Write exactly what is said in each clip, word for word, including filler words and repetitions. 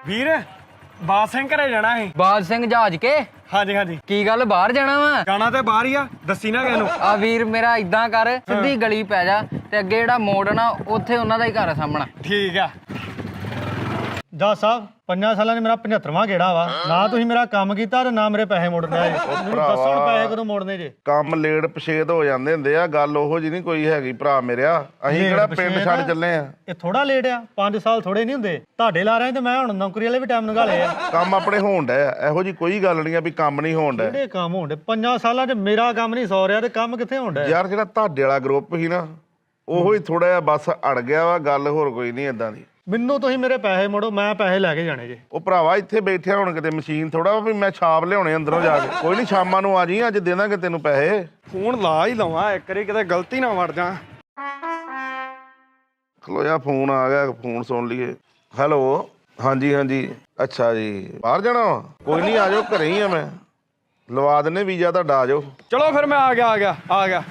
ਵੀਰ ਬਾਦ ਸਿੰਘ ਘਰੇ ਜਾਣਾ ਸੀ। ਬਾਦ ਸਿੰਘ ਜਹਾਜ ਕੇ? ਹਾਂਜੀ ਹਾਂਜੀ। ਕੀ ਗੱਲ ਬਾਹਰ ਜਾਣਾ ਵਾ? ਜਾਣਾ ਤੇ ਬਾਹਰ ਹੀ ਆ, ਦੱਸੀ ਨਾ ਕਿਸੇ ਨੂੰ। ਆ ਵੀਰ ਮੇਰਾ ਇਦਾਂ ਕਰ, ਸਿੱਧੀ ਗਲੀ ਪੈ ਜਾ ਤੇ ਅੱਗੇ ਜਿਹੜਾ ਮੋੜ ਨਾ ਉੱਥੇ ਉਹਨਾਂ ਦਾ ਹੀ ਘਰ ਆ ਸਾਹਮਣਾ। ਠੀਕ ਆ। ਜੱਜ ਸਾਹਿਬ ਪੰਜਾਂ ਸਾਲਾਂ ਨੇ ਮੇਰਾ ਪਝੱਤਰਵਾਂ ਗੇੜਾ ਵਾ ਨਾ ਤੁਸੀਂ ਮੇਰਾ ਕੰਮ ਕੀਤਾ ਤੇ ਨਾ ਮੇਰੇ ਪੈਸੇ ਮੋੜਨੇ ਆ। ਮੈਨੂੰ ਦੱਸੋ ਹੁਣ ਪੈਸੇ ਕਦੋਂ ਮੋੜਨੇ ਜੇ? ਕੰਮ ਲੇਟ ਪਛੇਤ ਹੋ ਜਾਂਦੇ ਹੁੰਦੇ ਆ, ਗੱਲ ਉਹੋ ਜੀ ਨਹੀਂ ਕੋਈ ਹੈਗੀ ਭਰਾ ਮੇਰਿਆ। ਅਸੀਂ ਕਿਹੜਾ ਪਿੰਡ ਛੱਡ ਚੱਲੇ ਆ। ਇਹ ਥੋੜਾ ਲੇਟ ਆ, ਪੰਜ ਸਾਲ ਥੋੜੇ ਨਹੀਂ ਹੁੰਦੇ। ਤੁਹਾਡੇ ਲਾ ਰਹੇ ਤੇ ਮੈਂ ਹੁਣ ਨੌਕਰੀ ਵਾਲੇ ਵੀ ਟਾਈਮ ਲਗਾ ਲਏ ਆ। ਕੰਮ ਆਪਣੇ ਹੋਣ ਡਿਆ, ਇਹੋ ਜੀ ਕੋਈ ਗੱਲ ਨਹੀਂ ਆ ਵੀ ਕੰਮ ਨਹੀਂ ਹੋਣ ਡਿਆ। ਕਿਹੜੇ ਕੰਮ ਹੋਣ ਡੇ? ਪੰਜਾਂ ਸਾਲਾਂ 'ਚ ਮੇਰਾ ਕੰਮ ਨਹੀਂ ਸੌ ਰਿਹਾ ਤੇ ਕੰਮ ਕਿੱਥੇ ਹੋਣ ਡਿਆ? ਯਾਰ ਜਿਹੜਾ ਤੁਹਾਡੇ ਵਾਲਾ ਗਰੁੱਪ ਸੀ ਨਾ ਉਹੋ ਹੀ ਥੋੜਾ ਜਿਹਾ ਬਸ ਅੜ ਗਿਆ ਵਾ, ਗੱਲ ਹੋਰ ਕੋਈ ਨਹੀਂ ਏਦਾਂ ਦੀ। ਮੈਨੂੰ ਤੁਸੀਂ ਮੇਰੇ ਪੈਸੇ ਮੋੜੋ, ਮੈਂ ਪੈਸੇ ਲੈ ਕੇ ਜਾਣੇ ਜੇ। ਉਹ ਭਰਾਵਾ ਇੱਥੇ ਬੈਠਿਆ ਹੁਣ ਕਿਤੇ ਮਸ਼ੀਨ ਥੋੜਾ ਵੀ ਮੈਂ ਛਾਪ ਲਿਆਉਣੇ ਅੰਦਰੋਂ ਜਾ ਕੇ। ਕੋਈ ਨਹੀਂ ਸ਼ਾਮਾਂ ਨੂੰ ਆ ਜੀ, ਅੱਜ ਦੇ ਦਾਂਗੇ ਤੈਨੂੰ ਪੈਸੇ। ਫੋਨ ਲਾ ਹੀ ਲਵਾਂ ਇੱਕ ਵਾਰੀ, ਕਿਤੇ ਗਲਤੀ ਨਾ ਵੜ ਜਾ। ਖਲੋ ਜਾ, ਫੋਨ ਆ ਗਿਆ, ਫੋਨ ਸੁਣ ਲਈਏ। ਹੈਲੋ, ਹਾਂਜੀ ਹਾਂਜੀ, ਅੱਛਾ ਜੀ ਬਾਹਰ ਜਾਣਾ ਵਾ? ਕੋਈ ਨਹੀਂ ਆ ਜਾਓ, ਘਰੇ ਹੀ ਆ ਮੈਂ, ਲਵਾ ਦਿੰਨੇ ਵੀਜ਼ਾ ਤੁਹਾਡਾ, ਆ ਜਾਓ। ਚਲੋ ਫਿਰ ਮੈਂ ਆ ਗਿਆ ਆ ਗਿਆ ਆ ਗਿਆ।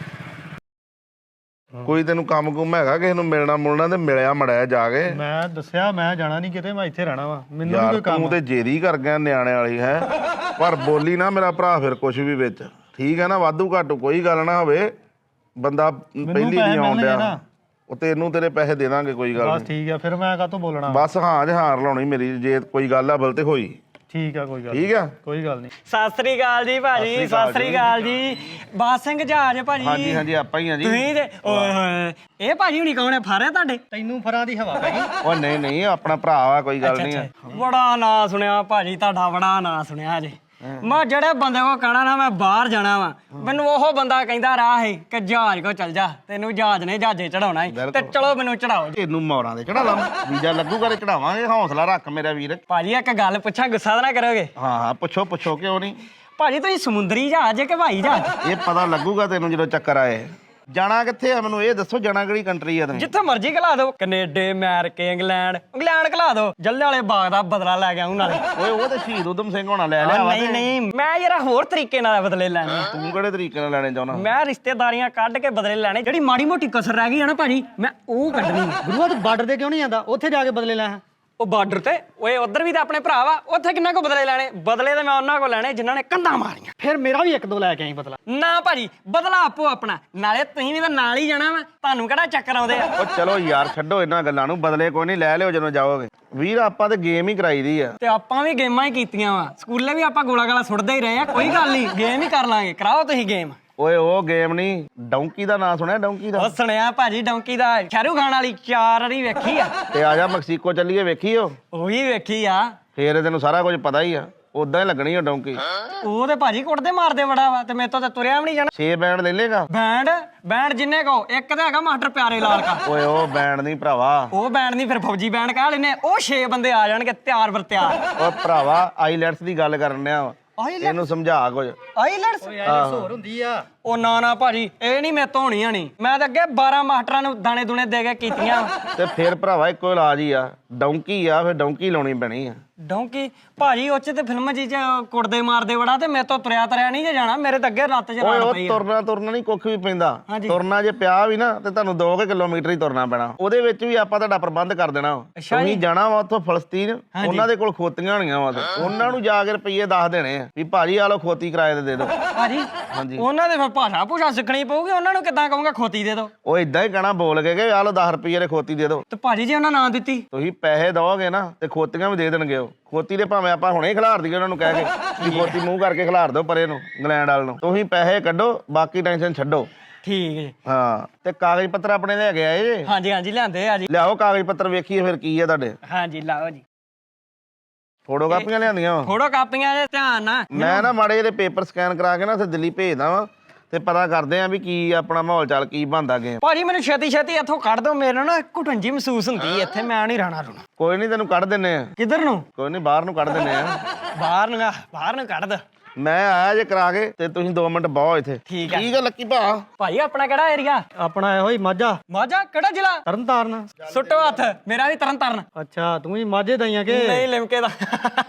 ਕੋਈ ਤੈਨੂੰ ਕੰਮ ਕੁਮ ਹੈਗਾ ਕਿਸੇ ਨੂੰ ਮਿਲਣਾ ਮੁਲਣਾ ਤੇ ਮਿਲਿਆ ਮੜਿਆ ਜਾ ਕੇ। ਮੈਂ ਦੱਸਿਆ ਮੈਂ ਜਾਣਾ ਨਹੀਂ ਕਿਤੇ, ਮੈਂ ਇੱਥੇ ਰਹਿਣਾ ਵਾ। ਮੈਨੂੰ ਯਾਰ ਕੋਈ ਕੰਮ ਤੂੰ ਤੇ ਜੇਰੀ ਕਰ ਗਿਆ ਨਿਆਣੇ ਵਾਲੀ ਹੈ, ਪਰ ਬੋਲੀ ਨਾ ਮੇਰਾ ਭਰਾ ਫਿਰ ਕੁਛ ਵੀ ਵਿੱਚ, ਠੀਕ ਹੈ ਨਾ? ਵਾਧੂ ਘਾਟੂ ਕੋਈ ਗੱਲ ਨਾ ਹੋਵੇ, ਬੰਦਾ ਪਹਿਲੀ ਨਹੀਂ ਆਉਣ ਡਿਆ। ਉਹ ਤੈਨੂੰ ਤੇਰੇ ਪੈਸੇ ਦੇ ਦਾਂਗੇ, ਕੋਈ ਗੱਲ ਬਸ ਠੀਕ ਆ। ਫਿਰ ਮੈਂ ਕਾਹਤੋਂ ਬੋਲਣਾ? ਬਸ ਹਾਂ ਜਹਾਰ ਲਾਉਣੀ ਮੇਰੀ, ਜੇ ਕੋਈ ਗੱਲ ਆ ਬਲ ਤੇ ਹੋਈ। ਠੀਕ ਆ, ਕੋਈ ਗੱਲ ਠੀਕ ਆ, ਕੋਈ ਗੱਲ ਨਹੀਂ। ਸਤਿ ਸ੍ਰੀ ਅਕਾਲ ਜੀ ਭਾਜੀ। ਸਤਿ ਸ੍ਰੀ ਅਕਾਲ ਜੀ। ਬਾਦ ਸਿੰਘ ਜਹਾਜ ਭਾਜੀ? ਹਾਂਜੀ ਹਾਂਜੀ ਆਪਾਂ ਹੀ ਆ ਜੀ। ਤੁਸੀਂ ਤੇ ਓਏ ਹੋਏ, ਇਹ ਭਾਜੀ ਹੁਣੀ ਕੌਣ ਹੈ? ਫਾਰੇ ਤੁਹਾਡੇ? ਤੈਨੂੰ ਫਰਾਂ ਦੀ ਹਵਾ ਪੈ ਗਈ? ਉਹ ਨਹੀਂ ਨਹੀਂ, ਆਪਣਾ ਭਰਾ ਵਾ, ਕੋਈ ਗੱਲ ਨਹੀਂ ਆ। ਬੜਾ ਨਾਂ ਸੁਣਿਆ ਭਾਜੀ ਤੁਹਾਡਾ, ਬੜਾ ਨਾਂ ਸੁਣਿਆ ਜੇ। ਮੈਂ ਜਿਹੜੇ ਬੰਦੇ ਕੋ ਕਹਿਣਾ ਨਾ ਮੈਂ ਬਾਹਰ ਜਾਣਾ ਵਾ, ਮੈਨੂੰ ਉਹ ਬੰਦਾ ਕਹਿੰਦਾ ਰਾਹ ਹੈ ਕਿ ਜਹਾਜ਼ ਕੋ ਚੱਲ ਜਾ, ਤੈਨੂੰ ਜਹਾਜ਼ ਨੇ ਜਹਾਜ਼ੇ ਚੜਾਉਣਾ ਹੈ ਤੇ ਚਲੋ ਮੈਨੂੰ ਚੜਾਓ। ਤੈਨੂੰ ਮੌਰਾਂ ਦੇ ਚੜਾ ਲਾਂ, ਵੀਜ਼ਾ ਲੱਗੂਗਾ ਤੇ ਚੜਾਵਾਂਗੇ। ਹੌਸਲਾ ਰੱਖ ਮੇਰਾ ਵੀਰ। ਭਾਜੀ ਇੱਕ ਗੱਲ ਪੁੱਛਾਂ, ਗੁੱਸਾ ਤਾਂ ਨਾ ਕਰੋਗੇ? ਹਾਂ ਹਾਂ ਪੁੱਛੋ ਪੁੱਛੋ, ਕਿਉਂ ਨਹੀਂ। ਭਾਜੀ ਤੁਸੀਂ ਸਮੁੰਦਰੀ ਜਹਾਜ਼ ਕਿ ਹਵਾਈ ਜਹਾਜ਼? ਇਹ ਪਤਾ ਲੱਗੂਗਾ ਤੈਨੂੰ ਜਦੋਂ ਚੱਕਰ ਆਏ। ਜਾਣਾ ਕਿੱਥੇ ਆ ਮੈਨੂੰ ਇਹ ਦੱਸੋ, ਜਾਣਾ ਕਿਹੜੀ ਕੰਟਰੀ ਆ ਤੈਨੂੰ? ਜਿੱਥੇ ਮਰਜ਼ੀ ਘਲਾ ਦਿਓ, ਕੈਨੇਡਾ, ਅਮਰੀਕਾ, ਇੰਗਲੈਂਡ। ਇੰਗਲੈਂਡ ਘਲਾ ਦਿਓ, ਜੱਲੇ ਵਾਲੇ ਬਾਗ ਦਾ ਬਦਲਾ ਲੈ ਕੇ ਆਉਂ ਨਾਲੇ। ਓਏ ਉਹ ਤੇ ਸ਼ਹੀਦ ਊਧਮ ਸਿੰਘ ਹੋਣਾ ਲੈ ਲਿਆ ਵਾ। ਨਹੀਂ ਨਹੀਂ, ਮੈਂ ਯਾਰ ਹੋਰ ਤਰੀਕੇ ਨਾਲ ਬਦਲੇ ਲੈਣੇ। ਤੂੰ ਕਿਹੜੇ ਤਰੀਕੇ ਨਾਲ ਲੈਣੇ ਚਾਹੁੰਦਾ? ਮੈਂ ਰਿਸ਼ਤੇਦਾਰੀਆਂ ਕੱਢ ਕੇ ਬਦਲੇ ਲੈਣੇ। ਜਿਹੜੀ ਮਾੜੀ ਮੋਟੀ ਕਸਰ ਰਹਿ ਗਈ ਆ ਨਾ ਭਾਜੀ, ਮੈਂ ਉਹ ਕੱਢਣੀ। ਗੁਰੂਆ ਤੂੰ ਬਾਰਡਰ ਤੇ ਕਿਉਂ ਨਹੀਂ ਜਾਂਦਾ? ਉੱਥੇ ਜਾ ਕੇ ਬਦਲੇ ਲੈ। ਉਹ ਬਾਰਡਰ ਤੇ ਓਏ ਉਧਰ ਵੀ ਤਾਂ ਆਪਣੇ ਭਰਾ ਵਾ, ਉੱਥੇ ਕਿੰਨਾ ਕੋ ਬਦਲੇ ਲੈਣੇ? ਬਦਲੇ ਤੇ ਮੈਂ ਉਹਨਾਂ ਕੋ ਲੈਣੇ ਜਿਨ੍ਹਾਂ ਨੇ ਕੰਧਾਂ ਮਾਰੀਆਂ। ਫਿਰ ਮੇਰਾ ਵੀ ਇੱਕ ਦੋ ਲੈ ਕੇ ਆਈ ਬਦਲਾ। ਨਾ ਭਾਜੀ, ਬਦਲਾ ਆਪੋ ਆਪਣਾ, ਨਾਲੇ ਤੁਸੀਂ ਵੀ ਤਾਂ ਨਾਲ ਹੀ ਜਾਣਾ ਵਾ, ਤੁਹਾਨੂੰ ਕਿਹੜਾ ਚੱਕਰ ਆਉਂਦੇ ਆ? ਉਹ ਚਲੋ ਯਾਰ ਛੱਡੋ ਇਹਨਾਂ ਗੱਲਾਂ ਨੂੰ, ਬਦਲੇ ਕੋਈ ਨਹੀਂ, ਲੈ ਲਿਓ ਜਦੋਂ ਜਾਓਗੇ। ਵੀਰ ਆਪਾਂ ਤੇ ਗੇਮ ਹੀ ਕਰਾਈ ਦੀ ਆ। ਤੇ ਆਪਾਂ ਵੀ ਗੇਮਾਂ ਹੀ ਕੀਤੀਆਂ ਵਾ, ਸਕੂਲੇ ਵੀ ਆਪਾਂ ਗੋਲਾ ਗਾਲਾ ਸੁੱਟਦੇ ਹੀ ਰਹੇ ਆ। ਕੋਈ ਗੱਲ ਨਹੀਂ, ਗੇਮ ਹੀ ਕਰ ਲਾਂਗੇ। ਕਰਾਓ ਤੁਸੀਂ ਗੇਮ। ਓਏ ਉਹ ਗੇਮ ਨਹੀਂ, ਡੌਂਕੀ ਦਾ ਨਾਂ ਸੁਣਿਆ? ਡੌਂਕੀ ਦਾ ਉਹ ਸੁਣਿਆ ਭਾਜੀ, ਡੌਂਕੀ ਦਾ। ਸ਼ਾਹਰੁਖ ਖਾਨ ਵਾਲੀ ਚਾਰ ਵਾਰੀ ਵੇਖੀ ਆ। ਤੇ ਆ ਜਾ ਮੈਕਸੀਕੋ ਚੱਲੀਏ, ਵੇਖੀ ਉਹ? ਉਹ ਵੀ ਵੇਖੀ ਆ। ਫੇਰ ਤੈਨੂੰ ਸਾਰਾ ਕੁਝ ਪਤਾ ਹੀ ਆ, ਉਦਾਂ ਹੀ ਲੱਗਣੀ ਆ ਡੌਂਕੀ। ਉਹ ਤੇ ਭਾਜੀ ਕੁੱਟਦੇ ਮਾਰਦੇ ਬੜਾ ਵਾ, ਤੇ ਮੇਰੇ ਤੋਂ ਤਾਂ ਤੁਰਿਆ ਵੀ ਨਹੀਂ ਜਾਣਾ। ਛੇ ਬੈਂਡ ਲੈ ਲੇਗਾ? ਬੈਂਡ ਬੈਂਡ ਜਿੰਨੇ ਕੋ, ਇੱਕ ਤਾਂ ਹੈਗਾ ਮਾਸਟਰ ਪਿਆਰੇ ਲਾਲ ਕਾ। ਓਏ ਉਹ ਬੈਂਡ ਨਹੀਂ ਭਰਾਵਾ, ਉਹ ਬੈਂਡ ਨਹੀਂ, ਫਿਰ ਫੌਜੀ ਬੈਂਡ ਕਹਿ ਲੈਨੇ। ਉਹ ਛੇ ਬੰਦੇ ਆ ਜਾਣਗੇ ਤਿਆਰ ਬਰ ਤਿਆਰ। ਓ ਭਰਾਵਾ ਆਈਲੈਟਸ ਦੀ ਗੱਲ ਕਰਨ ਡਿਆ, ਇਹਨੂੰ ਸਮਝਾ ਕੁਝ। ਆਈਲੈਟਸ ਹੋਰ ਹੁੰਦੀ ਆ। ਉਹ ਨਾ ਨਾ ਭਾਜੀ, ਇਹ ਨਹੀਂ ਮੇਰੇ ਤੋਂ ਹੋਣੀਆਂ ਨਹੀਂ। ਮੈਂ ਤਾਂ ਅੱਗੇ ਬਾਰਾਂ ਮਾਸਟਰਾਂ ਨੂੰ ਦਾਣੇ ਦੂਣੇ ਦੇ ਕੇ ਕੀਤੀਆਂ। ਤੇ ਫਿਰ ਭਰਾਵਾ ਇੱਕੋ ਇਲਾਜ ਹੀ ਆ, ਡੌਂਕੀ ਆ, ਫਿਰ ਡੌਂਕੀ ਲਾਉਣੀ ਪੈਣੀ ਆ। ਡੌਂਕੀ ਭਾਜੀ ਉਹ ਚ ਤੇ ਫਿਲਮ ਜੀ ਚ ਕੁੱਟਦੇ ਮਾਰਦੇ ਬੜਾ, ਤੇ ਮੇਰੇ ਤੋਂ ਤੁਰਿਆ ਤਰਿਆ ਨਹੀਂ ਜੇ ਜਾਣਾ। ਮੇਰੇ ਤਾਂ ਅੱਗੇ ਰੱਤ ਚ ਓਏ ਰਾੜ ਉਹ ਪਈ ਆ। ਤੁਰਨਾ ਤੁਰਨਾ ਨਹੀਂ ਕੁੱਖ ਵੀ ਪੈਂਦਾ। ਹਾਂਜੀ। ਤੁਰਨਾ ਜੇ ਪਿਆ ਵੀ ਨਾ ਤੇ ਤੁਹਾਨੂੰ ਦੋ ਕੁ ਕਿਲੋਮੀਟਰ ਹੀ ਤੁਰਨਾ ਪੈਣਾ। ਉਹਦੇ ਵਿੱਚ ਵੀ ਆਪਾਂ ਤੁਹਾਡਾ ਪ੍ਰਬੰਧ ਕਰ ਦੇਣਾ। ਤੁਸੀਂ ਜਾਣਾ ਵਾ ਉੱਥੋਂ ਫਲਸਤੀਨ, ਉਹਨਾਂ ਦੇ ਕੋਲ ਖੋਤੀਆਂ ਹੋਣੀਆਂ ਵਾ, ਉਹਨਾਂ ਨੂੰ ਜਾ ਕੇ ਰੁਪਈਏ ਦੱਸ ਦੇਣੇ ਆ ਵੀ ਭਾਜੀ ਆ ਲਓ ਖੋਤੀ ਕਿਰਾਏ ਤੇ ਦੇ ਦਿਓ। ਭਾਜੀ ਹਾਂਜੀ, ਉਹਨਾਂ ਦੇ ਫਿਰ ਭਾਸ਼ਾ ਭੂਸ਼ਾ ਸਿੱਖਣੀ ਪਊਗੀ। ਉਹਨਾਂ ਨੂੰ ਕਿੱਦਾਂ ਕਹੂੰਗਾ ਖੋਤੀ ਦੇ ਦਿਓ? ਉਹ ਇਦਾਂ ਹੀ ਕਹਿਣਾ ਬੋਲ ਕੇ ਕਿ ਆ ਲਓ ਦਸ ਰੁਪਈਏ ਦੇ ਖੋਤੀ ਦੇ ਦਿਓ। ਤੇ ਭਾਜੀ ਜੇ ਉਹਨਾਂ ਨਾਂ ਦਿੱਤੀ? ਤੁਸੀਂ ਪੈਸੇ ਦਓਗੇ ਨਾ ਤੇ ਖੋਤੀਆਂ ਵੀ ਦੇ ਦੇਣਗੇ ਉਹ। ਖੋਤੀ ਦੇ ਭਾਵੇਂ ਆਪਾਂ ਹੁਣੇ ਖਿਲਾਰ ਦਈਏ ਉਹਨਾਂ ਨੂੰ ਕਹਿ ਕੇ ਵੀ ਖੋਤੀ ਮੂੰਹ ਕਰਕੇ ਖਿਲਾਰ ਦਿਓ ਪਰੇ ਨੂੰ, ਇੰਗਲੈਂਡ ਵਾਲ ਨੂੰ। ਤੁਸੀਂ ਪੈਸੇ ਕੱਢੋ, ਬਾਕੀ ਟੈਨਸ਼ਨ ਛੱਡੋ। ਠੀਕ ਜੀ। ਹਾਂ, ਤੇ ਕਾਗਜ਼ ਪੱਤਰ ਆਪਣੇ ਲੈ ਕੇ ਆਏ ਜੇ? ਹਾਂਜੀ ਹਾਂਜੀ ਲਿਆਂਦੇ ਆ ਜੀ। ਲਿਆਓ ਕਾਗਜ਼ ਪੱਤਰ, ਵੇਖੀਏ ਫਿਰ ਕੀ ਆ ਤੁਹਾਡੇ। ਹਾਂਜੀ ਲਾਓ ਜੀ। ਫੋਟੋ ਕਾਪੀਆਂ ਲਿਆਂਦੀਆਂ ਵਾ? ਫੋਟੋ ਕਾਪੀਆਂ ਦੇ ਧਿਆਨ ਨਾਲ। ਮੈਂ ਨਾ ਮਾੜੇ ਜਿਹੇ ਪੇਪਰ ਸਕੈਨ ਕਰਾ ਕੇ ਨਾ ਉੱਥੇ ਦਿੱਲੀ ਭੇਜਦਾ ਵਾਂ, ਤੇ ਪਤਾ ਕਰਦੇ ਆ ਵੀ ਕੀ ਆਪਣਾ ਮਾਹੌਲ ਚਾਲ ਕੀ ਬਣਦਾ ਗਿਆ। ਭਾਜੀ ਮੈਨੂੰ ਛੇਤੀ ਛੇਤੀ ਇੱਥੋਂ ਕੱਢ ਦਿਓ, ਮੇਰੇ ਨਾ ਘੁਟਨ ਜੀ ਮਹਿਸੂਸ ਹੁੰਦੀ ਇੱਥੇ, ਮੈਂ ਨਹੀਂ ਰਹਿਣਾ ਰੁਣਾ। ਕੋਈ ਨਹੀਂ ਤੈਨੂੰ ਕੱਢ ਦਿੰਨੇ ਆ। ਕਿੱਧਰ ਨੂੰ? ਕੋਈ ਨਹੀਂ ਬਾਹਰ ਨੂੰ ਕੱਢ ਦਿੰਨੇ ਆ। ਬਾਹਰ ਨੂੰ? ਬਾਹਰ ਨੂੰ ਕੱਢ ਦੋ। ਮੈਂ ਆਇਆ ਜੇ ਕਰਾ ਕੇ ਤੇ ਤੁਸੀਂ ਦੋ ਮਿੰਟ ਬਾਹੋ ਇੱਥੇ ਠੀਕ ਆ। ਠੀਕ ਆ ਲੱਕੀ ਭਾ। ਭਾਜੀ ਆਪਣਾ ਕਿਹੜਾ ਏਰੀਆ? ਆਪਣਾ ਇਹੋ ਹੀ ਮਾਝਾ ਮਾਝਾ ਕਿਹੜਾ ਜ਼ਿਲ੍ਹਾ? ਤਰਨਤਾਰਨ। ਸੁੱਟੋ ਹੱਥ, ਮੇਰਾ ਵੀ ਤਰਨ ਤਾਰਨ। ਅੱਛਾ ਤੂੰ ਵੀ ਮਾਝੇ ਦਈਆਂ ਕਿ ਨਹੀਂ ਲਿਮਕੇ ਦਾ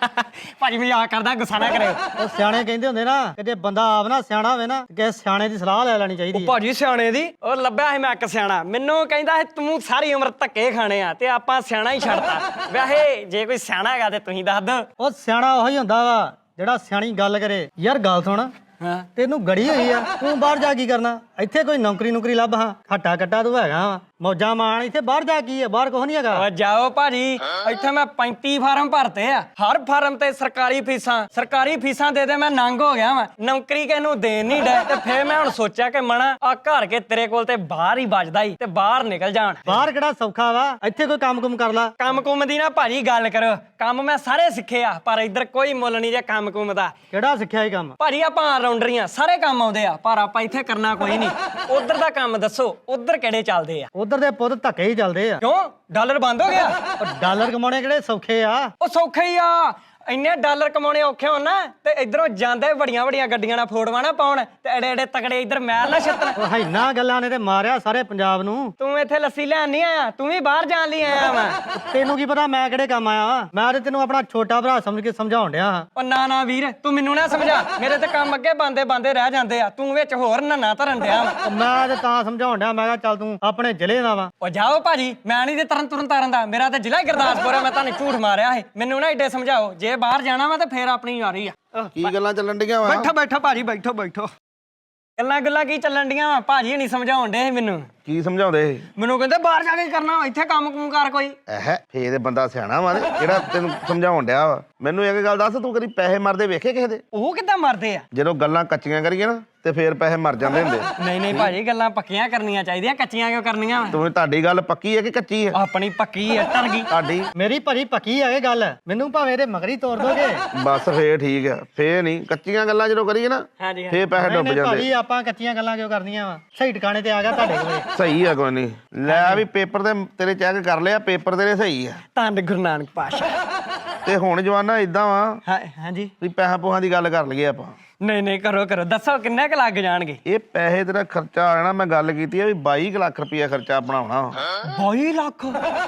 ਭਾਜੀ ਮਜ਼ਾਕ ਕਰਦਾ, ਗੁੱਸਾ ਨਾ ਕਰਿਓ। ਉਹ ਸਿਆਣੇ ਕਹਿੰਦੇ ਹੁੰਦੇ ਨਾ ਕਿ ਜੇ ਬੰਦਾ ਆਪ ਨਾ ਸਿਆਣਾ ਹੋਵੇ ਨਾ ਕਿ ਸਿਆਣੇ ਦੀ ਸਲਾਹ ਲੈ ਲੈਣੀ ਚਾਹੀਦੀ ਹੈ। ਭਾਜੀ ਸਿਆਣੇ ਦੀ ਉਹ ਲੱਭਿਆ ਸੀ ਮੈਂ ਇੱਕ ਸਿਆਣਾ, ਮੈਨੂੰ ਕਹਿੰਦਾ ਸੀ ਤੂੰ ਸਾਰੀ ਉਮਰ ਧੱਕੇ ਖਾਣੇ ਆ ਤੇ ਆਪਾਂ ਸਿਆਣਾ ਹੀ ਛੱਡਤਾ। ਵੈਸੇ ਜੇ ਕੋਈ ਸਿਆਣਾ ਹੈਗਾ ਤੇ ਤੁਸੀਂ ਦੱਸ ਦਿਓ। ਉਹ ਸਿਆਣਾ ਉਹੀ ਹੁੰਦਾ ਵਾ ਜਿਹੜਾ ਸਿਆਣੀ ਗੱਲ ਕਰੇ। ਯਾਰ ਗੱਲ ਸੁਣ, ਹਾਂ ਤੈਨੂੰ ਗੜੀ ਹੋਈ ਆ, ਤੂੰ ਬਾਹਰ ਜਾ ਕੀ ਕਰਨਾ? ਇੱਥੇ ਕੋਈ ਨੌਕਰੀ ਨੌਕਰੀ ਲੱਭ। ਹਾਂ ਹੱਟਾ ਕੱਟਾ ਤੂੰ ਹੈਗਾ ਵਾ, ਮੌਜਾਂ ਮਾਣ। ਇੱਥੇ ਬਾਹਰ ਜਾ ਕੀ ਆ? ਬਾਹਰ ਕੁਛ ਨਹੀਂ ਹੈਗਾ। ਓ ਜਾਓ ਭਾਜੀ, ਇੱਥੇ ਮੈਂ ਪੈਂਤੀ ਫਾਰਮ ਭਰਤੇ ਆ, ਹਰ ਫਾਰਮ ਤੇ ਸਰਕਾਰੀ ਫੀਸਾਂ ਸਰਕਾਰੀ ਫੀਸਾਂ ਦੇ ਦੇ ਮੈਂ ਨੰਗ ਹੋ ਗਿਆ ਵਾਂ। ਨੌਕਰੀ ਕਿਹਨੂੰ ਦੇਣ ਨਹੀਂ ਡੇ ਤੇ ਫੇਰ ਮੈਂ ਹੁਣ ਸੋਚਿਆ ਕਿ ਮਣਾ ਆ ਘਰ ਕੇ ਤੇਰੇ ਕੋਲ ਤੇ ਬਾਹਰ ਹੀ ਵੱਜਦਾ ਹੀ ਤੇ ਬਾਹਰ ਨਿਕਲ ਜਾਣ। ਬਾਹਰ ਕਿਹੜਾ ਸੌਖਾ ਵਾ? ਇੱਥੇ ਕੋਈ ਕੰਮ ਕੁਮ ਕਰ ਲਾ। ਕੰਮ ਕੁਮ ਦੀ ਨਾ ਭਾਜੀ ਗੱਲ ਕਰੋ, ਕੰਮ ਮੈਂ ਸਾਰੇ ਸਿੱਖੇ ਆ ਪਰ ਇੱਧਰ ਕੋਈ ਮੁੱਲ ਨਹੀਂ ਜੇ ਕੰਮ ਕੁਮ ਦਾ। ਕਿਹੜਾ ਸਿੱਖਿਆ ਇਹ ਕੰਮ? ਭਾਜੀ ਆਪਾਂ ਆਲਰਾਊਂਡਰੀਆਂ, ਸਾਰੇ ਕੰਮ ਆਉਂਦੇ ਆ ਪਰ ਆਪਾਂ ਇੱਥੇ ਕਰਨਾ ਕੋਈ ਨਹੀਂ। ਉਧਰ ਦਾ ਕੰਮ ਦੱਸੋ, ਉਧਰ ਕਿਹੜੇ ਚੱਲਦੇ ਆ? ਉਧਰ ਦੇ ਪੁੱਤ ਧੱਕੇ ਹੀ ਚੱਲਦੇ ਆ। ਕਿਉਂ ਡਾਲਰ ਬੰਦ ਹੋ ਗਿਆ? ਉਹ ਡਾਲਰ ਕਮਾਉਣੇ ਕਿਹੜੇ ਸੌਖੇ ਆ? ਉਹ ਸੌਖੇ ਹੀ ਆ, ਇੰਨੇ ਡਾਲਰ ਕਮਾਉਣੇ ਔਖੇ ਹੋਣ ਨਾ ਤੇ ਇਧਰੋਂ ਜਾਂਦੇ ਵੱਡੀਆਂ ਵੱਡੀਆਂ ਗੱਡੀਆਂ ਨਾਲ ਫੋਟੋਆਂ ਨਾ ਪਾਉਣ ਤੇ ਐਡੇ ਐਡੇ ਤਕੜੇ ਇਧਰ ਮੈਲ ਨਾ ਛੱਤਣ। ਉਹ ਹੈਨਾ ਗੱਲਾਂ ਨੇ ਤੇ ਮਾਰਿਆ ਸਾਰੇ ਪੰਜਾਬ ਨੂੰ। ਤੂੰ ਇੱਥੇ ਲੱਸੀ ਲੈਣ ਨਹੀਂ ਆਇਆ, ਤੂੰ ਵੀ ਬਾਹਰ ਜਾਣ ਲਈ ਆਇਆ ਵਾ। ਤੈਨੂੰ ਕੀ ਪਤਾ ਮੈਂ ਕਿਹੜੇ ਕੰਮ ਆਇਆ ਵਾ? ਮੈਂ ਤੇ ਤੈਨੂੰ ਆਪਣਾ ਛੋਟਾ ਭਰਾ ਸਮਝ ਕੇ ਸਮਝਾਉਣ ਡਿਆ ਹਾਂ। ਉਹ ਨਾ ਨਾ ਵੀਰ, ਤੂੰ ਮੈਨੂੰ ਨਾ ਸਮਝਾ, ਮੇਰੇ ਤੇ ਕੰਮ ਅੱਗੇ ਬੰਦੇ ਬੰਦੇ ਰਹਿ ਜਾਂਦੇ ਆ, ਤੂੰ ਵਿੱਚ ਹੋਰ ਨੰਨਾ ਧਰਨ ਡਿਆ ਵਾ। ਉਹ ਮੈਂ ਤੇ ਤਾਂ ਸਮਝਾਉਣ ਡਿਆ, ਮੈਂ ਕਿਹਾ ਚੱਲ ਤੂੰ ਆਪਣੇ ਜ਼ਿਲ੍ਹੇ ਦਾ ਵਾ। ਉਹ ਜਾਓ ਭਾਜੀ, ਮੈਂ ਨਹੀਂ ਤੇ ਤਰਨ ਤੁਰਨ ਤਾਰਨ ਦਾ, ਮੇਰਾ ਤੇ ਜ਼ਿਲ੍ਹਾ ਹੀ ਗੁਰਦਾਸਪੁਰ ਆ। ਮੈਂ ਤੁਹਾਨੂੰ ਝੂਠ ਮਾਰਿਆ ਹੈ, ਮੈਨੂੰ ਨਾ ਏਡੇ ਸਮਝਾਓ। ਜੇ ਬਾਹਰ ਜਾਣਾ ਵਾ ਤੇ ਫੇਰ ਆਪਣੀ ਯਾਰੀ ਆ। ਕੀ ਗੱਲਾਂ ਚੱਲਣ ਡੀਆਂ ਵਾ? ਬੈਠੋ ਬੈਠੋ ਭਾਜੀ, ਬੈਠੋ ਬੈਠੋ। ਗੱਲਾਂ ਗੱਲਾਂ ਕੀ ਚੱਲਣ ਡੀਆਂ ਵਾ? ਭਾਜੀ ਨਹੀਂ ਸਮਝਾਉਣ ਡੇ ਮੈਨੂੰ। ਕੀ ਸਮਝਾਉਂਦੇ? ਮੈਨੂੰ ਕਹਿੰਦੇ ਬਾਹਰ ਜਾ ਕੇ ਕਰਨਾ, ਇੱਥੇ ਕੰਮ ਕੁਮ ਕਰ ਕੋਈ। ਐਹ ਫੇਰ ਇਹ ਬੰਦਾ ਸਿਆਣਾ ਵਾ ਤੇ ਜਿਹੜਾ ਤੈਨੂੰ ਸਮਝਾਉਣ ਡਿਆ ਵਾ। ਮੈਨੂੰ ਇੱਕ ਗੱਲ ਦੱਸ, ਤੂੰ ਕਦੀ ਪੈਸੇ ਮਰਦੇ ਵੇਖੇ ਕਿਸੇ ਦੇ? ਉਹ ਕਿੱਦਾਂ ਮਰਦੇ ਆ? ਜਦੋਂ ਗੱਲਾਂ ਕੱਚੀਆਂ ਕਰੀਏ ਨਾ ਤੇ ਫੇਰ ਪੈਸੇ ਮਰ ਜਾਂਦੇ ਹੁੰਦੇ। ਨਹੀਂ ਨਹੀਂ ਭਾਜੀ, ਗੱਲਾਂ ਪੱਕੀਆਂ ਕਰਨੀਆਂ ਚਾਹੀਦੀਆਂ, ਕੱਚੀਆਂ ਕਿਉਂ ਕਰਨੀਆਂ ਵਾ? ਤੂੰ ਤੁਹਾਡੀ ਗੱਲ ਪੱਕੀ ਹੈ ਕਿ ਕੱਚੀ ਹੈ? ਆਪਣੀ ਪੱਕੀ ਆ, ਟਰ ਗਈ। ਤੁਹਾਡੀ ਮੇਰੀ ਭਰੀ ਪੱਕੀ ਆ ਇਹ ਗੱਲ। ਮੈਨੂੰ ਭਾਵੇਂ ਇਹਦੇ ਮਗਰੀ ਤੋੜ ਦੋਗੇ। ਬਸ ਫੇਰ ਠੀਕ ਆ। ਫੇਰ ਨਹੀਂ ਕੱਚੀਆਂ ਗੱਲਾਂ ਜਦੋਂ ਕਰੀਏ ਨਾ ਹਾਂਜੀ ਫੇਰ ਪੈਸੇ ਨਹੀਂ ਡੁੱਬ ਨਹੀਂ ਜਾਂਦੇ। ਭਾਜੀ ਆਪਾਂ ਕੱਚੀਆਂ ਗੱਲਾਂ ਕਿਉਂ ਕਰਨੀਆਂ ਵਾ? ਸਹੀ ਟਿਕਾਣੇ ਤੇ ਆ ਗਿਆ ਤੁਹਾਡੇ ਕੋਲੇ। ਸਹੀ ਆ, ਕੋਈ ਨਹੀਂ। ਲੈ ਵੀ ਪੇਪਰ ਤੇ ਤੇਰੇ ਚੈੱਕ ਕਰ ਲਿਆ, ਪੇਪਰ ਤੇਰੇ ਸਹੀ ਆ। ਧੰਨ ਗੁਰੂ ਨਾਨਕ ਪਾਸ਼ਾ। ਤੇ ਹੁਣ ਜਵਾਨਾ ਇਦਾਂ ਵਾ ਹਾਂ ਹਾਂਜੀ। ਵੀ ਪੈਸਾ ਪੋਹਾਂ ਦੀ ਗੱਲ ਕਰ ਲਈਏ ਆਪਾਂ। ਨਹੀਂ ਨਹੀਂ, ਕਰੋ ਕਰੋ, ਦੱਸੋ ਕਿੰਨੇ ਕੁ ਲੱਗ ਜਾਣਗੇ? ਇਹ ਪੈਸੇ ਤੇਰਾ ਖਰਚਾ ਆ ਜਾਣਾ। ਮੈਂ ਗੱਲ ਕੀਤੀ ਆ ਵੀ ਬਾਈ ਕੁ ਲੱਖ ਰੁਪਇਆ ਖਰਚਾ ਆਪਣਾ ਹੋਣਾ। ਬਾਈ ਲੱਖ?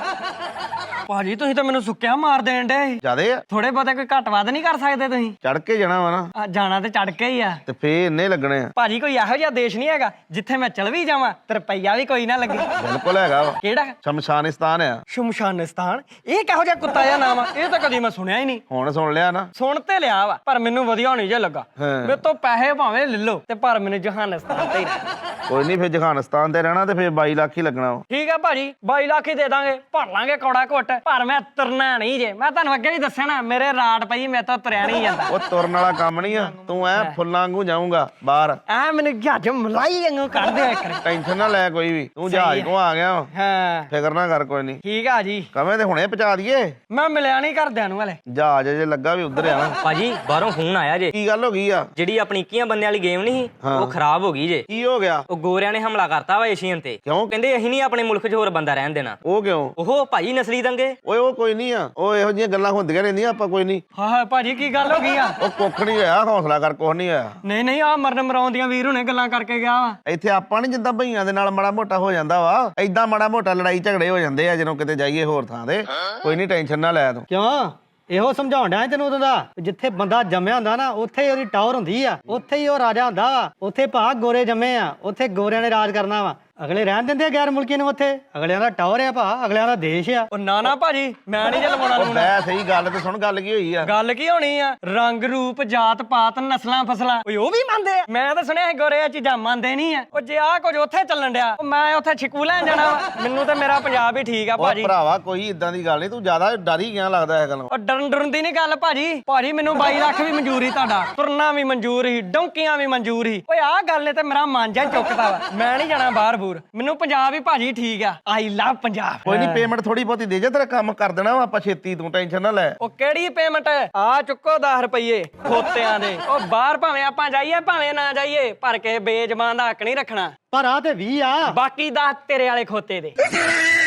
ਭਾਜੀ ਤੁਸੀਂ ਤਾਂ ਮੈਨੂੰ ਸੁੱਕਿਆ ਮਾਰ ਦੇਣ ਡੇ। ਜਿਆਦੇ ਆ? ਥੋੜੇ ਬਹੁਤੇ ਕੋਈ ਘੱਟ ਵੱਧ ਨਹੀਂ ਕਰ ਸਕਦੇ ਤੁਸੀਂ? ਚੜ ਕੇ ਜਾਣਾ ਵਾ ਨਾ ਆ, ਜਾਣਾ ਤੇ ਚੜ ਕੇ ਹੀ ਆ। ਤੇ ਫੇਰ ਇੰਨੇ ਲੱਗਣੇ ਆ। ਭਾਜੀ ਕੋਈ ਇਹੋ ਜਿਹਾ ਦੇਸ਼ ਨਹੀਂ ਹੈਗਾ ਜਿੱਥੇ ਮੈਂ ਚਲ ਵੀ ਜਾਵਾਂ ਤੇ ਰੁਪਈਆ ਵੀ ਕੋਈ ਨਾ ਲੱਗੇ। ਬਿਲਕੁਲ ਹੈਗਾ ਵਾ। ਕਿਹੜਾ? ਸ਼ਮਸ਼ਾਨਿਸਤਾਨ ਆ। ਸ਼ਮਸ਼ਾਨਿਸਤਾਨ? ਇਹ ਕਿਹੋ ਜਿਹਾ ਕੁੱਤਾ ਜਿਹਾ ਨਾਮ ਆ? ਇਹ ਤਾਂ ਕਦੀ ਮੈਂ ਸੁਣਿਆ ਹੀ ਨਹੀਂ। ਹੁਣ ਸੁਣ ਲਿਆ ਨਾ? ਸੁਣ ਤੇ ਲਿਆ ਵਾ ਪਰ ਮੈਨੂੰ ਵਧੀਆ ਨਹੀਂ ਜੇ ਲੱਗਾ। ਹਾਂ। ਮੇਰੇ ਤੋਂ ਪੈਸੇ ਭਾਵੇਂ ਲੈ ਲਓ ਤੇ ਪਰ ਮੈਨੂੰ ਜਹਾਨਿਸਤਾਨ ਤੇ ਹੀ ਰਹਿਣਾ। ਕੋਈ ਨਹੀਂ, ਫੇਰ ਜਹਾਨਿਸਤਾਨ ਤੇ ਰਹਿਣਾ ਤੇ ਫੇਰ ਬਾਈ ਲੱਖ ਹੀ ਲੱਗਣਾ ਵਾ। ਠੀਕ ਆ ਭਾਜੀ, ਬਾਈ ਲੱਖ ਹੀ ਦੇ ਦਾਂਗੇ, ਭਰ ਲਾਂਗੇ ਕੌੜਾ ਘੁੱਟ। ਪਰ ਮੈਂ ਤੁਰਨਾ ਨਹੀਂ ਜੇ, ਮੈਂ ਤੁਹਾਨੂੰ ਅੱਗੇ ਵੀ ਦੱਸਿਆ ਨਾ, ਮੇਰੇ ਰਾਟ ਪਈ, ਮੇਰੇ ਤੋਂ ਤੁਰਿਆ ਨਹੀਂ ਜਾਂਦਾ। ਉਹ ਤੁਰਨ ਵਾਲਾ ਕੰਮ ਨਹੀਂ ਆ। ਤੂੰ ਐ ਫੁੱਲਾਂ ਵਾਂਗੂ ਜਾਊਂਗਾ ਬਾਹਰ। ਐ ਮੈਨੂੰ ਜਹਾਜ਼ ਮਲਾਈ ਵਾਂਗੂ ਕੱਢ ਦਿਓ ਇੱਕ ਵਾਰੀ। ਟੈਨਸ਼ਨ ਨਾ ਲੈ ਕੋਈ ਵੀ, ਤੂੰ ਜਹਾਜ਼ ਕੋ ਆ ਗਿਆ ਵਾ। ਹਾਂ ਫਿਕਰ ਨਾ ਕਰ ਕੋਈ ਨਹੀਂ। ਠੀਕ ਆ ਜੀ। ਕਵੇਂ ਤੇ ਹੁਣੇ ਪਹੁੰਚਾ ਦਈਏ। ਮੈਂ ਮਿਲਿਆ ਨਹੀਂ ਘਰਦਿਆਂ ਨੂੰ ਹਲੇ। ਜਹਾਜ਼ ਜੇ ਲੱਗਾ ਵੀ ਉਧਰ ਆ ਨਾ। ਭਾਜੀ ਬਾਹਰੋਂ ਫੋਨ ਆਇਆ ਜੇ। ਕੀ ਗੱਲ ਹੋ ਗਈ ਆ? ਜਿਹੜੀ ਆਪਣੀ ਇੱਕੀਆਂ ਬੰਦਿਆਂ ਵਾਲੀ ਗੇਮ ਨਹੀਂ ਸੀ, ਹਾਂ। ਉਹ ਖਰਾਬ ਹੋ ਗਈ ਜੇ। ਕੀ ਹੋ ਗਿਆ? ਉਹ ਗੋਰਿਆਂ ਨੇ ਹਮਲਾ ਕਰਤਾ ਵਾ ਏਸ਼ੀਅਨ ਤੇ। ਕਿਉਂ? ਕਹਿੰਦੇ ਅਸੀਂ ਨਹੀਂ ਆਪਣੇ ਮੁਲਕ 'ਚ ਹੋਰ ਬੰਦਾ ਰਹਿਣ ਦੇਣਾ। ਉਹ ਕਿਉਂ? ਉਹ ਭਾਜੀ ਨਸਲੀ ਦੰਗੇ। ਓਏ ਉਹ ਕੋਈ ਨਹੀਂ ਆ, ਉਹ ਇਹੋ ਜਿਹੀਆਂ ਗੱਲਾਂ ਹੁੰਦੀਆਂ ਰਹਿੰਦੀਆਂ, ਆਪਾਂ ਕੋਈ ਨਹੀਂ। ਹਾਂ ਹਾਂ ਭਾਜੀ, ਕੀ ਗੱਲ ਹੋ ਗਈ ਆ? ਉਹ ਕੁੱਖ ਨਹੀਂ ਹੋਇਆ, ਹੌਸਲਾ ਕਰ, ਕੁਛ ਨਹੀਂ ਹੋਇਆ। ਨਹੀਂ ਨਹੀਂ, ਆ ਮਰਨ ਮਰਾਉਣ ਦੀਆਂ ਵੀਰ ਹੁਣੇ ਗੱਲਾਂ ਕਰਕੇ ਗਿਆ ਵਾ। ਇੱਥੇ ਆਪਾਂ ਨਹੀਂ ਜਿੱਦਾਂ ਭਈਆਂ ਦੇ ਨਾਲ ਮਾੜਾ ਮੋਟਾ ਹੋ ਜਾਂਦਾ ਵਾ, ਏਦਾਂ ਮਾੜਾ ਮੋਟਾ ਲੜਾਈ ਝਗੜੇ ਹੋ ਜਾਂਦੇ ਆ ਜਦੋਂ ਕਿਤੇ ਜਾਈਏ ਹੋਰ ਥਾਂ ਤੇ। ਕੋਈ ਨਹੀਂ, ਟੈਨਸ਼ਨ ਨਾ ਲੈ ਤੂੰ। ਕਿਉਂ? ਇਹੋ ਸਮਝਾਉਣ ਡਿਆ ਤੈਨੂੰ ਉਦੋਂ ਦਾ। ਜਿੱਥੇ ਬੰਦਾ ਜੰਮਿਆ ਹੁੰਦਾ ਨਾ ਉੱਥੇ ਹੀ ਉਹਦੀ ਟਾਵਰ ਹੁੰਦੀ ਆ, ਉੱਥੇ ਹੀ ਉਹ ਰਾਜਾ ਹੁੰਦਾ ਵਾ। ਉੱਥੇ ਭਾ ਗੋਰੇ ਜੰਮੇ ਆ, ਉੱਥੇ ਗੋਰਿਆਂ ਨੇ ਰਾਜ ਕਰਨਾ ਵਾ। ਅਗਲੇ ਰਹਿਣ ਦਿੰਦੇ ਆ ਗੈਰ ਮੁਲਕੀ ਨੂੰ ਉੱਥੇ। ਅਗਲਿਆਂ ਦਾ ਟਾਵਰ ਆ ਭਾ, ਅਗਲਿਆਂ ਦਾ ਦੇਸ਼ ਆ। ਉਹ ਨਾ ਨਾ ਭਾਜੀ, ਮੈਂ ਨਹੀਂ ਜੇ ਲਵਾਉਣਾ ਉਹ ਲੂਣਾ। ਬੈ ਸਹੀ ਗੱਲ ਤੇ ਸੁਣ, ਗੱਲ ਕੀ ਹੋਈ ਆ? ਗੱਲ ਕੀ ਹੋਣੀ ਆ? ਰੰਗ ਰੂਪ ਜਾਤ ਪਾਤ ਨਸਲਾਂ ਫਸਲਾਂ ਓਏ ਉਹ ਵੀ ਮੰਨਦੇ ਆ। ਮੈਂ ਤਾਂ ਸੁਣਿਆ ਗੋਰੇ ਆ ਚੀਜ਼ਾਂ ਮੰਨਦੇ ਨਹੀਂ ਆ। ਉਹ ਜੇ ਆ ਕੁਝ ਉੱਥੇ ਚੱਲਣ ਡਿਆ, ਉਹ ਮੈਂ ਉੱਥੇ ਛਿਕੂ ਲੈਣ ਜਾਣਾ ਵਾ। ਮੈਨੂੰ ਤਾਂ ਮੇਰਾ ਪੰਜਾਬ ਹੀ ਠੀਕ ਆ ਉਹ ਭਾਜੀ। ਭਰਾਵਾ ਕੋਈ ਇਦਾਂ ਦੀ ਗੱਲ ਨਹੀਂ, ਤੂੰ ਜ਼ਿਆਦਾ ਡਰ ਹੀ ਗਿਆ ਲੱਗਦਾ ਇਹ ਗੱਲੋਂ। ਉਹ ਡਰਨ ਡਰਨ ਦੀ ਨਹੀਂ ਗੱਲ ਭਾਜੀ। ਭਾਜੀ ਮੈਨੂੰ ਬਾਈ ਲੱਖ ਵੀ ਮਨਜ਼ੂਰ ਹੀ ਤੁਹਾਡਾ, ਤੁਰਨਾ ਵੀ ਮਨਜ਼ੂਰ ਹੀ, ਡੌਂਕੀਆਂ ਵੀ ਮਨਜ਼ੂਰ ਹੀ। ਓਏ ਆਹ ਗੱਲ ਨੇ ਤੇ ਮੇਰਾ ਮਨ ਜਾ ਚੁੱਕਦਾ ਵਾ। ਮੈਂ ਨਹੀਂ ਜਾਣਾ ਬਾਹਰ ਬੂਰ, ਮੈਨੂੰ ਪੰਜਾਬ ਵੀ ਭਾਜੀ ਠੀਕ ਆ। ਆਈ ਲਵ ਪੰਜਾਬ। ਕੋਈ ਨਹੀਂ, ਪੇਮੈਂਟ ਥੋੜੀ ਬਹੁਤੀ ਦੇ ਜਾ, ਤੇਰਾ ਕੰਮ ਕਰ ਦੇਣਾ ਵਾ ਆਪਾਂ ਛੇਤੀ, ਤੂੰ ਟੈਨਸ਼ਨ ਨਾ ਲੈ। ਉਹ ਕਿਹੜੀ ਪੇਮੈਂਟ? ਆ ਚੁੱਕੋ ਦਸ ਰੁਪਏ ਖੋਤਿਆਂ ਦੇ। ਉਹ ਬਾਹਰ ਭਾਵੇਂ ਆਪਾਂ ਜਾਈਏ ਭਾਵੇਂ ਨਾ ਜਾਈਏ, ਪਰ ਕੇ ਬੇਜ਼ਬਾਨ ਦਾ ਹੱਕ ਨਹੀਂ ਰੱਖਣਾ। ਪਰ ਆ ਤੇ ਵੀਹ ਆ। ਬਾਕੀ ਦਸ ਤੇਰੇ ਵਾਲੇ ਖੋਤੇ ਦੇ।